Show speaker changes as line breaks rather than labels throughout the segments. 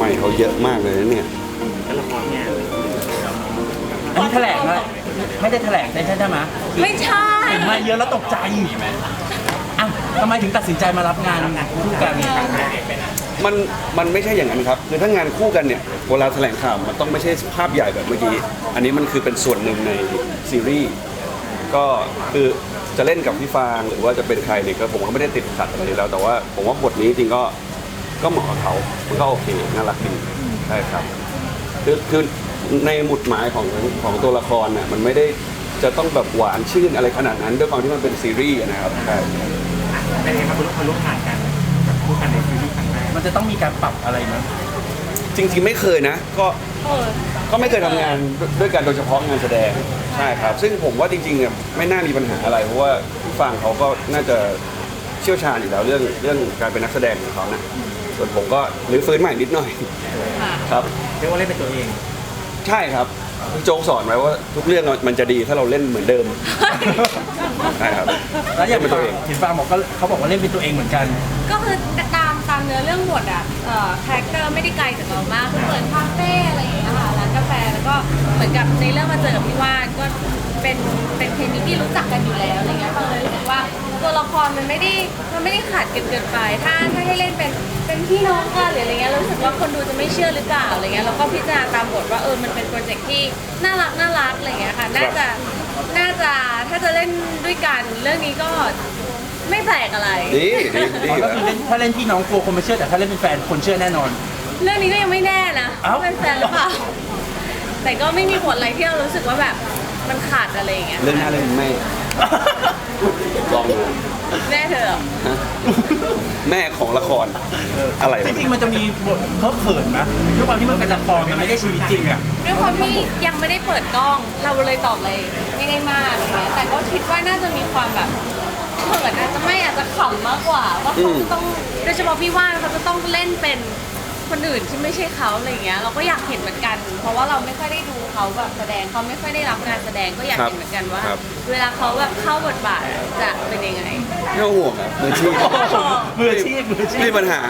ใหม่เขาเยอะมากเลยนะเนี่ย
แล้วละครเนี่ย
อันนี้แถลงเลยไม่ได้แถลงใช่ไหม
ไม่ใช่
เห็นมาเยอะแล้วตกใจอ่ะทำไมถึงตัดสินใจมารับงานคู่กัน
มันไม่ใช่อย่างนั้นครับคือถ้างานคู่กันเนี่ยเวลาแถลงข่าวมันต้องไม่ใช่ภาพใหญ่แบบเมื่อกี้อันนี้มันคือเป็นส่วนหนึ่งในซีรีส์ก็คือจะเล่นกับพี่ฟางหรือว่าจะเป็นใครเนี่ยก็ผมก็ไม่ได้ติดขัดอะไรแล้วแต่ว่าผมว่าบทนี้จริงก็เหมาะกับเขามันก็โอเคน่ารักดีใช่ครับคือในหมุดหมายของตัวละครน่ะมันไม่ได้จะต้องแบบหวานชื่นอะไรขนาดนั้นด้วยความที่มันเป็นซีรีส์นะครับใช่
เป็นไงครับคุณร่วมงานกันกับคู่กันในซีรีส์ครั้งแรก
มันจะต้องมีการปรับอะไรมั้ย
จริงๆไม่เคยนะก็ไม่เคยทำงานด้วยกันโดยเฉพาะงานแสดงใช่ครับซึ่งผมว่าจริงๆเนี่ยไม่น่ามีปัญหาอะไรเพราะว่าพี่ฟางเขาก็น่าจะเชี่ยวชาญอยู่แล้วเรื่องการเป็นนักแสดงของเขานะส่วนผมก็รื้อฟื้นใหม่นิดหน่อยครับ
เรียกว่าเล่นเป็นตัวเอง
ใช่ครับพี่โจ๊กสอนไว้ว่าทุกเรื่องมันจะดีถ้าเราเล่นเหมือนเดิมใช่ครับ
แล้วอย่าง
เป็นตัวเอง
เห็นฟางบอกก็เขาบอกว่าเล่นเป็นตัวเองเหมือนกัน
ก็คือตามเนื้อเรื่องบทอ่ะคาแรคเตอร์ไม่ได้ไกลจากเรามากคือเปิดคาเฟ่อะไรอย่างเงี้ยค่ะร้านกาแฟแล้วก็เหมือนกับในเรื่องมาเจอกับพี่ว่านก็เป็นเคมีที่รู้จักกันอยู่แล้วอะไรเงี้ยฟังเลยรู้สึกว่าตัวละครมันไม่ได้ขาดเกินไปถ้าให้เล่นเป็นพี่น้องกันหรืออะไรเงี้ยรู้สึกว่าคนดูจะไม่เชื่อหรือเปล่าอะไรเงี้ยแล้วก็พิจารณาตามบทว่ามันเป็นโปรเจกต์ที่น่ารักอะไรเงี้ยค่ะน่าจะถ้าจะเล่นด้วยกันเรื่องนี้ก็ไม่แปลกอะไร
ดีอยู่
ก็
แล้ว
คือถ้าเล่นพี่น้องกลัวคนไม่เชื่อแต่ถ้าเล่นเป็นแฟนคนเชื่อแน่นอน
เรื่องนี้ก็ยังไม่แน่นะ
เอ้า
ว่าเป็นแฟนหรือเปล่า แต่ก็ไม่มีผลอะไรที่เรารู้สึกว่าแบบมันขาดอะไรอย่างเงี้ย
เรื่องหน้าเรื่องไม่ลองดู
แน่เธอเหรอ
ฮะแม่ของละครอะไร
จ
วะ
ริงๆมันจะมีบทเพิ่มเขินนะด้วยความที่มันเป็นละครมันไม่ได้ชีวิตจริงอ่ะ
ด้วยความที่ยังไม่ได้เปิดกล้อง เราเลยตอบเลยไม่ได้มากอะไรเงี้ยแต่ก็คิดว่าน่าจะมีความแบบเขินอาจจะขำมากกว่าว่าเขาจะต้องโดยเฉพาะพี่ว่านเขาจะต้องเล่นเป็นคนอื่นที่ไม่ใช่เขาอะไรเงี้ยเราก็อยากเห็นเหมือนกัน เพราะว่าเราไม่ค่อยได้ดูเขาแบบแสดงเขาไม่ค่อยได้รับงานแสดงก็อยากเห็นเหมือนกันว่า เวลาเขาแบบเข้าบทบาทจะเป็นยังไง
ไม่ต้องห่วงครับมืออาชีพ
มืออาชีพ
ไม่มีปัญหา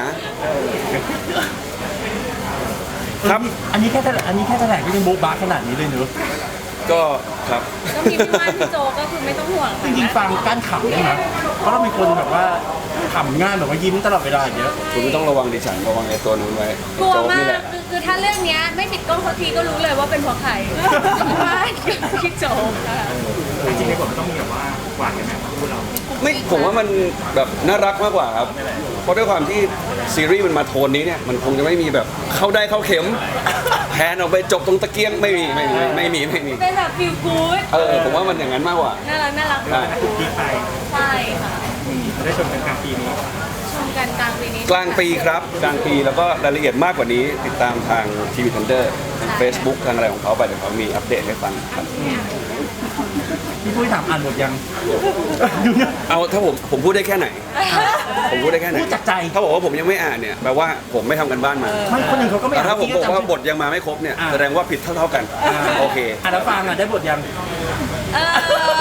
ครับ
อันนี้แค่แถลงก็ยังโบ๊ะบ้าขนาดนี้เลยเนอะ
ก็ครับ
ก็มีพี่ว่านพี่โจก็คือไม่ต้องห่วง
จริงๆฟังกั้นขำได้ไหมเพราะเราเป็นคนแบบว่าขำง่ายแบบว่ายิ้มตลอดเวลาอย่างเงี้ย
คุณไม่ต้องระวังดิฉันระวังไอ้ตัวนู้นไว้
กลัว
โจ๊
มา
นี่แห
ก
ละ
คือถ้าเรื่องเนี้ยไม่ปิดกล้องสักทีก็รู้เลยว่าเป็นเพราะใครพี่ว่านกับพี่โจค่ะ
จริงๆในบทมันต้องมีแบบว่าหวานกันไหมครับคู่เรา
ไม่ผมว่ามันแบบน่ารักมากกว่าครับเพราะด้วยความที่ซีรีส์มันมาโทนนี้เนี่ยมันคงจะไม่มีแบบเข้าได้เข้าเข็มแพนออกไปจบตรงตะเกียงไม่มี
เป็นแบบฟิลกู๊ด
ผมว่ามันอย่างนั้นมากกว่า
น่ารัก
ใช่
ดีไป
ใช่ค่ะ
ได้ชมกันกลางปีนี้
ชมกันกลางปีนี้
กลางปีครับกลางปีแล้วก็รายละเอียดมากกว่านี้ติดตามทางทีวีทันเดอร์ทาง Facebook ทางอะไรของเขาไปเดี๋ยวเขามีอัปเดตให้ฟังครับ
พี่ปุ้ยถามอ่านบทยังดูเนี่ย
เอาถ้าผมพูดได้แค่ไหน ผมพูดได้แค่ไหน
พูดจากใจ
ถ้าบอกว่าผมยังไม่อ่านเนี่ยแปลว่าผมไม่ทำกันบ้านมา
ไม่คนอื่นเขาก็ไม่
แต่
อ่าน
ถ้าผมบอกว่า
จำ
บทยังมาไม่ครบเนี่ย
อ่า
แสดงว่าผิดเท่ากัน โอเค
อ่านแล้วฟังอ่ะได้บทยัง
เออ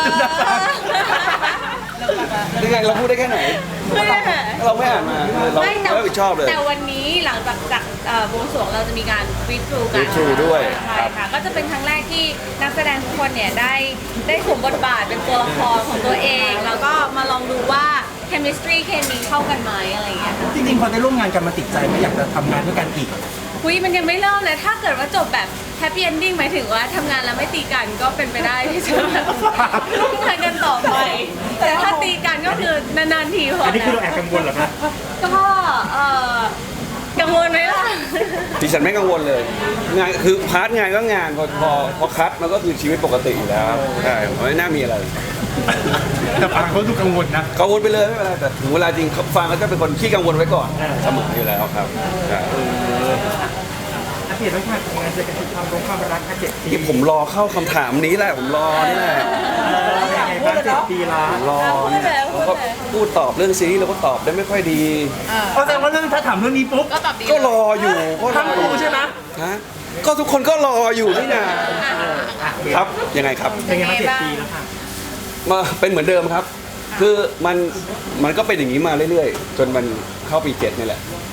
ยังไงเราพูดได้แค่ไหน
ไม่ได้ค่ะ
เราไม่อ่านมาเรา
ไม่แต่
ไม่รับผิดชอบเลย
แต่วันนี้หลังจากบวงสรวงเราจะมีการรีทรูกัน
read through ด้วย
ใช่ค่ะก็จะเป็นครั้งแรกที่นักแสดงทุกคนเนี่ยได้สวมบทบาทเป็นตัวละครของตัวเอง แล้วก็มาลองดูว่า chemistry เคมีเข้ากันไหมอะไรอย่างเงี้ยค่ะ
จริงๆพอได้ร่วมงานกันมาติดใจไม่อยากจะทำงานด้วยกันอีก
คุยมันยังไม่เริ่มเลยถ้าเกิดว่าจบแบบ happy ending หมายถึงว่าทำงานแล้วไม่ตีกันก็เป็นไปได้ที่จะแบบร่วมงานกันต่อไป แต่ถ้าตีกันก็คือนานๆทีพอ
อันนี้คือ
นะ
เราแอบกังวลเหรอครับ
ก็กังวลไหมล่ะ
ดิฉันไม่กังวลเลยงานคือพาร์ทงานก็งานพอคัดมันก็คือชีวิตปกติอยู่แล้วใช่ไม่น่ามีอะไร
แต่ฟังเขาดูกังวลนะ
กังวลไปเลยไม่เป็นไรแต่ถึงเวลาจริงฟังแล้วก็เป็นคนขี้กังวลไว้ก่อนเสมออยู่แล้วครับใช่
อัปเดตไว้ค่ะงานเจอกันความรักค่ะ7 ปี
ที่ผมรอเข้าคำถามนี้แหละผมรอนี่แหละ
เป็นยังไงบ้าง7 ปีละ
รอเนี่ยเราก็พูดตอบเรื่องซีรีส์เราก็ตอบได้ไม่ค่อยดี
แสดงว่าเรื่องถ้าถามเรื่องนี้ปุ๊บ
ก็ตอบดี
ก็รออยู่ก็รอ
ทั้ง
อ
คู่
ยู่
ใช่ไหม
ฮะก็ทุกคนก็รออยู่นี่นา ครับยังไงครับ
เป็นยังไงบ้าง7 ปีแล้วค่ะ
มาเป็นเหมือนเดิมครับ คือมันก็เป็นอย่างนี้มาเรื่อยๆ จนมันเข้าปี7นี่แหละ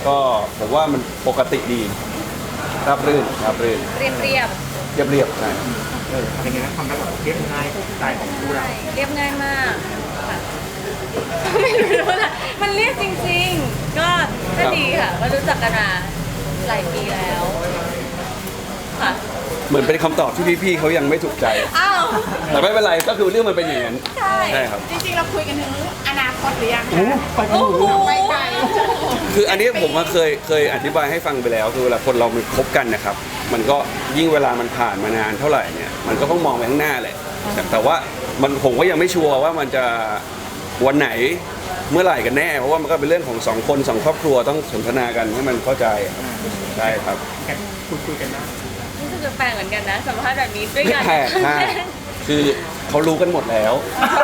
ก็ผมว่ามันปกติดีราบรื่นราบรื่น
เรียบ
เรียบใช่
เป็นไงนะความรักแบบเรียบง่ายสไตล์ของคู่เรา
เรียบง่ายมากค่ะไม่รู้นะมันเรียบจริงๆ ก็ดีค่ะก็รู้จักกันมาหลายปีแล้วค่ะ
เหมือนเป็นคำตอบที่พี่ๆเขายังไม่ถูกใจ
อ้าว
แต่ไม่เป็นไรก็คือเรื่องมันเป็นอย่างนั้น
ใช่
ใช่ครับ
จริงๆ เราคุยกันถึงอนาคตหรือยัง
โอ้
คะ
ไปกัน
โอ้
หนู
โห
ไปไกล
คืออันนี้ผมว่าเคยอธิบายให้ฟังไปแล้วคือเวลาคนเรามันคบกันนะครับ มันก็ยิ่งเวลามันผ่านมานานเท่าไหร่เนี่ยมันก็ต้องมองไปข้างหน้าแหละแต่ว่าผมก็ยังไม่ชัวร์ว่ามันจะวันไหนเมื่อไหร่กันแน่ เพราะว่ามันก็เป็นเรื่องของสองคนสองครอบครัวต้องสนทนากันให้มันเข้าใจใช่ครับ
คุยกันนะ
รู้สึกแปลกเหมือนกันนะสัมภาษณ์แบบนี้ด้วย
ไม่
กัน
แปลกใช่คือเขารู้กันหมดแล้ว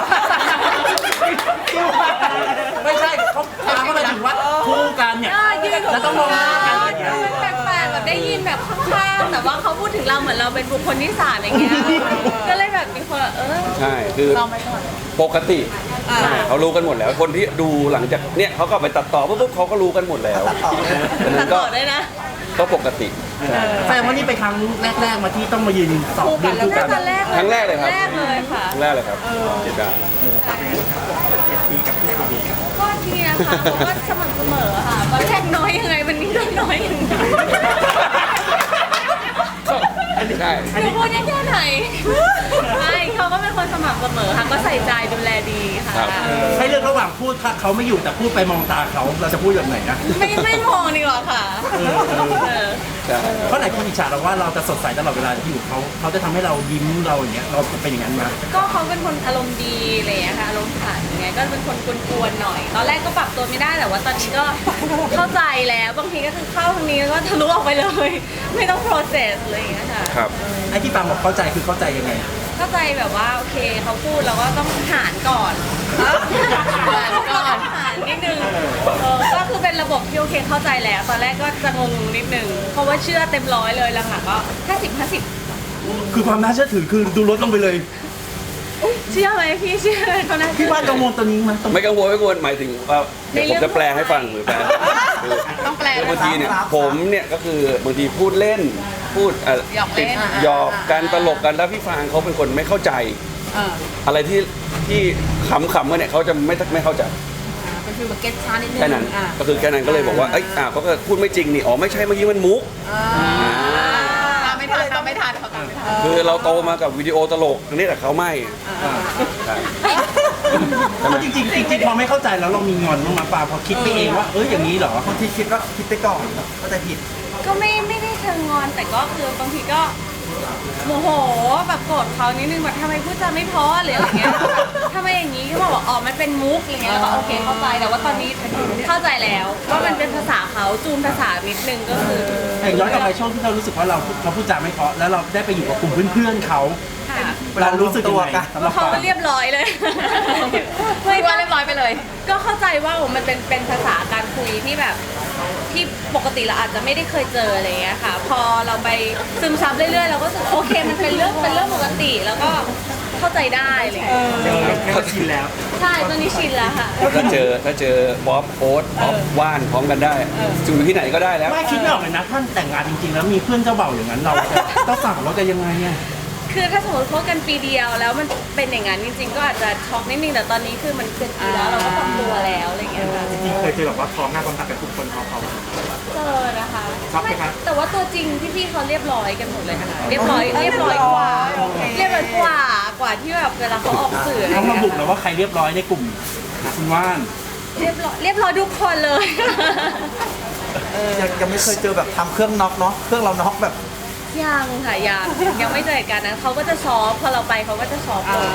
ไม่ใช่เขาถามมาถึงว่าคู่กันเนี่ย
ยืน
แล้วต้องมองหน้ากันอย่างเงี้ย
มันแปลกๆแบบได้ยินแบบข้างๆแต่ว่าเขาพูดถึงเราเหมือนเราเป็นบุคคลที่สามอย่างเงี้ยก็เลยแบบมีคน
ใช่คือปกติใช่เขารู้กันหมดแล้วคนที่ดูหลังจากเนี่ยเขาก็ไปตัดต่อปุ๊บเขาก็รู้กันหมดแล้วดัง
ตั
นั้
ด
นก็
ต่อได้นะ
ก็ปกติ
แสดงว่านี่เป็นครั้งแรกๆมาที่ต้องมายืนสอบเรื่องคู่กัน
ตอนแรก
ครั้งแรกเลยครับ
แรกเลยค่ะ
ครั้งแรกเลยครับเจ็ดดาว
ก็ทีนะคะเขาก็สม่ำเสมอค่ะวันแรกน้อยยังไงวันนี้ก็น้อยอย่างนั้น
ใช่
หนูพูดได้แค่ไหนไม่เขาก็เป็นคนสม่ำเสมอค่ะก็ใส่ใจดูแลดีค่ะ
ให้เลือกระหว่างพูดถ้าเขาไม่อยู่แต่พูดไปมองตาเขาเราจะพูดแบบไหนนะ
ไม่มองดีกว่าค่ะเออ
ใช่
เพราะไหนคนอิจฉาเราว่าเราจะสดใสตลอดเวลาที่อยู่เขาจะทำให้เรายิ้มเราอย่างเงี้ยเราเป็นอย่างนั้นไหม
ก็เขาเป็นคนอารมณ์ดีอะไรอย่างเงี้ยค่ะอารมณ์ขันอย่างเงี้ยก็เป็นคนกวนๆหน่อย ตอนแรกก็ปรับตัวไม่ได้แต่ว่าตอนนี้ก็เข้าใจแล้วบางทีก็คือเข้าทางนี้แล้วก็ทะลุออกไปเลย ไม่ต้อง process อะไรอย่างเงี้ยค่ะ
ครับ
ไอ้ที่ปางบอกเข้าใจคือเข้าใจยังไง
เข้าใจแบบว่าโอเคเขาพูดเราก็ต้องหารก่อนหารนิดนึงก็คือเป็นระบบที่โอเคเข้าใจแล้วตอนแรกก็จะงงนิดนึงเพราะว่าเชื่อเต็มร้อยเลยหลังๆก็50-50
คือความน่าเชื่อถือคือดูลดลงไปเลย
เชื่อไหมพี่เชื่อเลยเขานะ
พี่ว่ากังวลตัวนี้มันตรง
ไม่กังวลหมายถึงว่าเดี๋ยวผมจะแปลให้ฟังหรือแปล
ต้องแปล
คือบางทีเนี่ยผมเนี่ยก็คือบางทีพูดเล่นพูดติดหยอกกันตลกกันแล้วพี่ฟางเขาเป็นคนไม่เข้าใจ อะไรที่ขำๆกันเนี่ยเขาจะไม่เข้าใจ
เป็นฟิลแบบเก็ตช้านิดนึง
แค่นั้นก็คือแค่นั้นก็เลยบอกว่าเอ้ยเขาก็พูดไม่จริงนี่อ๋อไม่ใช่เมื่อกี้มันมุก
ตามไม่ทันเขาตามไม่ทัน
คือเราโตมากับวิดีโอตลกนี่แต่เขาไม่ใช่
จริงๆจริงๆพอไม่เข้าใจแล้วเรามีงอนบ้างไหมปาพอคิดไปเองว่าอย่างนี้เหรอ
บางทีคิดว่าคิดไปก่อนก็จะผิด
ก็ไม่ได้เชิงงอนแต่ก็คือบางทีก็โมโหแบบโกรธเขานิดนึงแบบทำไมพูดจาไม่เพอหรืออะไรเงี้ยทำไมอย่างนี้ก็บอกว่าอ๋อมันเป็นมุกอะไรเงี้ยแล้วก็โอเคเข้าใจแต่ว่าตอนนี้เข้าใจแล้วว่ามันเป็นภาษาเขาจูนภาษานิดนึงก็คือ
แต่ย้อนกลับไปช่วงที่เรารู้สึกว่าเขาพูดจาไม่เพราะแล้วเราได้ไปอยู่กับกลุ่มเพื่อนๆเขา
ค่ะ
เรารู้สึกยังไงสำหรับ
เขา
ปา
ก็เรียบร้อยเลย
ไม่ว่าเรียบร้อยไปเลย
ก็เข้าใจว่ามันเป็นภาษาการคุยที่แบบที่ปกติเราอาจจะไม่ได้เคยเจออะไรเงี้ยค่ะ พอเราไปซึมซับเรื่อยๆเราก็รู้สึกโอเคมันเป็นเรื่องปกติแล้วก็เข้าใจได้อะไรเลย
เขาชินแล้ว
ใช่ตอนนี้ชินแล้วค่ะ
ถ้าเจอบ๊อบโอ๊ตบ๊อบว่านพร้อมกันได้จูนที่ไหนก็ได้แล้ว
ไม่คิดไม่ออกเลยนะท่านแต่งงานจริงๆ แล้วมีเพื่อนเจ้าเบ่าวอย่างนั้นเราต้องสั่งเราจะยังไงเนี่ย
คือถ้าสมมติคบกันปีเดียวแล้วมันเป็นอย่างนั้นจริงๆ ก็อาจจะช็อกนิดนึงแต่ตอนนี้คือมันเป็นปีแล้วเราก็ปรับตัวแล้วอะไรเงี้ยค่ะ
จริงๆเคยเจอแบบว่าพร้อมหน้าพร้อมตากันทุกคนเขา
เจอนะคะ
ช็อกไหมครับ
แต่ว่าตัวจริงพี่ๆเขาเรียบร้อยกันหมดเลยค่ะเรียบร้อยกว่าเรียบร้อยกว่าที่แบบเวลาเขาออกสื่ออะไร
ต้อง
เงี้
ระ
ย
บุแล้วว่าใครเรียบร้อยในกลุ่มคุณว่าน
เรียบร้อยทุกคนเลย
ยังไม่เคยเจอแบบทำเครื่องน็อกเนาะเครื่องเราน็อกแบบ
ยังค่ะยังไม่เจอเหตุการณ์นั้นเขาก็จะซอฟพอเราไปเขาก็จะซอฟก่อน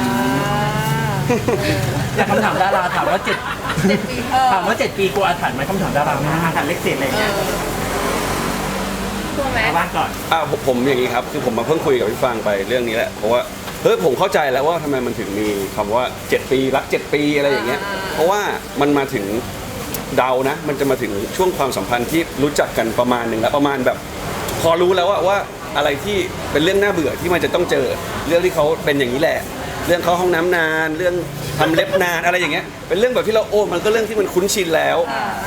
อยากคำถามดาราถามว่า7 ปีกลัวอาถรรพ์ไหมคำถามดาราไม่
อาหารเล็กเศษอะไรเงี้ย
กลัวไหม
เอาบ้านก่อน
ผมอย่างนี้ครับคือผมมาเพิ่งคุยกับพี่ฟางไปเรื่องนี้แหละเพราะว่าผมเข้าใจแล้วว่าทำไมมันถึงมีคำว่า7 ปีรัก7 ปีอะไรอย่างเงี้ยเพราะว่ามันมาถึงเดานะมันจะมาถึงช่วงความสัมพันธ์ที่รู้จักกันประมาณหนึ่งแล้วประมาณแบบพอรู้แล้วว่าอะไรที่เป็นเรื่องน่าเบื่อที่มันจะต้องเจอเรื่องที่เขาเป็นอย่างนี้แหละเรื่องเข้าห้องน้ำนานเรื่องทำเล็บนานอะไรอย่างเงี้ยเป็นเรื่องแบบที่เรามันก็เรื่องที่มันคุ้นชินแล้ว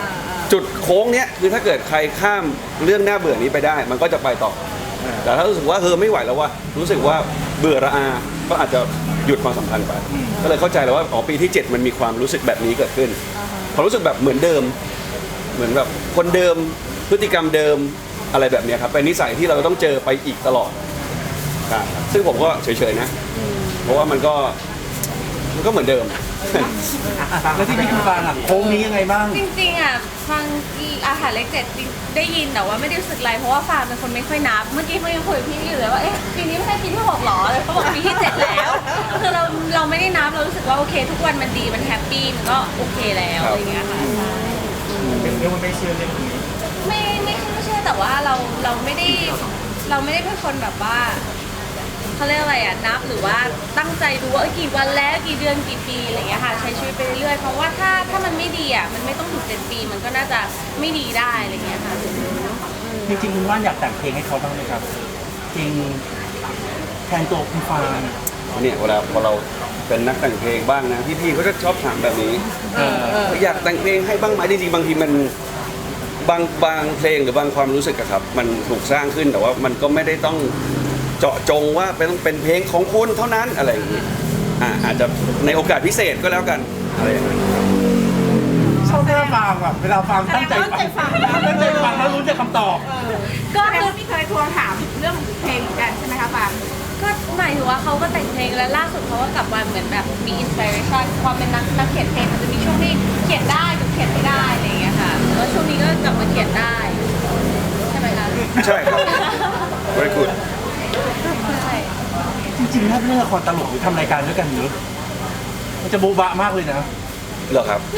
จุดโค้งเนี้ยคือถ้าเกิดใครข้ามเรื่องน่าเบื่อนี้ไปได้ มันก็จะไปต่อ แต่ถ้ารู้สึกว่าไม่ไหวแล้วว่ารู้สึกว่าเบื่อระอา ก็อาจจะหยุดความสัมพันธ์ไป ก็เลยเข้าใจแล้วว่าอ๋อปีที่ 7 มันมีความรู้สึกแบบนี้เกิดขึ้นความรู้สึกแบบเหมือนเดิม เหมือนแบบคนเดิมพฤติกรรมเดิมอะไรแบบเนี้ยครับเป็นนิสัยที่เราต้องเจอไปอีกตลอดครับซึ่งผมก็เฉยๆนะ เพราะว่ามันก็เหมือนเดิม
แล้วที่พี่คุณฟังอ่ะโค้งนี้ยังไงบ้าง
จริงๆอ่ะฟังอาหารเลขเจ็ดได้ยินแต่ว่าไม่ได้รู้สึกอะไรเพราะว่าฟางเป็นคนไม่ค่อยนับ เมื่อกี้เขายังคุยกับพี่อยู่เลยว่าเอ๊ะปีนี้ไม่ใช่ปีที่6หรอเลยเขาบอกปีที่ 7แล้วคือเราไม่ได้นับเรารู้สึกว่าโอเค ทุกวันมันดีมันแฮปปี้มันก็โอเคแล้วอะไรอย่างเงี้ยค่ะ
เป็นเรื่องมันไม่เชื่อเรื่องนี้
ไม่ใช่แต่ว่าเราไม่ได้เป็นคนแบบว่าเขาเรียกอะไรอ่ะนับหรือว่าตั้งใจดูว่ากี่วันแล้วกี่เดือนกี่ปีอะไรอย่างเงี้ยค่ะใช้ชีวิตไปเรื่อยๆเพราะว่าถ้ามันไม่ดีอ่ะมันไม่ต้องถึง7 ปีมันก็น่าจะไม่ดีได้อะไรอย่างเงี้ยค่ะ
จริงๆคุณว่านอยากแต่งเพลงให้เขาบ้างไหมครับเพลงแทนตัวคุณฟาง
เนี่ยเวลาพอเราเป็นนักแต่งเพลงบ้างนะพี่ๆเขาจะชอบถามแบบนี้อยากแต่งเพลงให้บ้างไหมจริงๆบางทีมันบางเพลงหรือบางความรู้สึกอะครับมันถูกสร้างขึ้นแต่ว่ามันก็ไม่ได้ต้องเจาะจงว่าเป็นเพลงของคุณเท่านั้นอะไรอย่างนี้อาจจะในโอกาสพิเศษก็แล้วกันอะไรอย่างนี้
ชอบหน้าฟังแบบเวลาฟังตั้งใจฟังแล้วรู้จักคำตอบ
ก็คือ
พี่เคยทวงถามเรื่องเพลงเหมือนกันใช่ไหมคะปาง
ก็หมายถึงว่าเขาก็แต่งเพลงแล้วล่าสุดเขาก็กลับมาเหมือนแบบมีอินสปิเรชันความเป็นนักเขียนเพลงมันจะมีช่วงที่เขียนได้หรือเขียนไม่ได้อะไรอย่างเงี้ยค่ะแล้วช่วงนี้ก็กลับมาเขียนได้ใช่ไหมคะ
ใช่ครับ very good
ใช่
จริงๆถ้าเล่นละครตลกหรือทำรายการด้วยกันเยอะมันจะโบ๊ะบะมากเลยนะ
เหรอครับ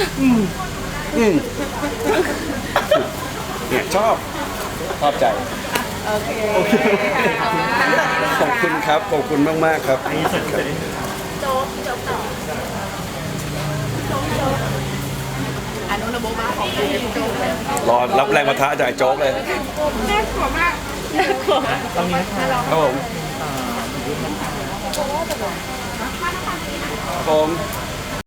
เนี่ยชอบใจ
โอเค
ขอบคุณครับขอบคุณมากๆครับ
อนุนโบมาของคุณโจเลย
รอรับแรงประทะจากไอ้โจ๊กเลย
น่ากลัวมาก
ตรงนี้นะคะ
ครับผมครับผม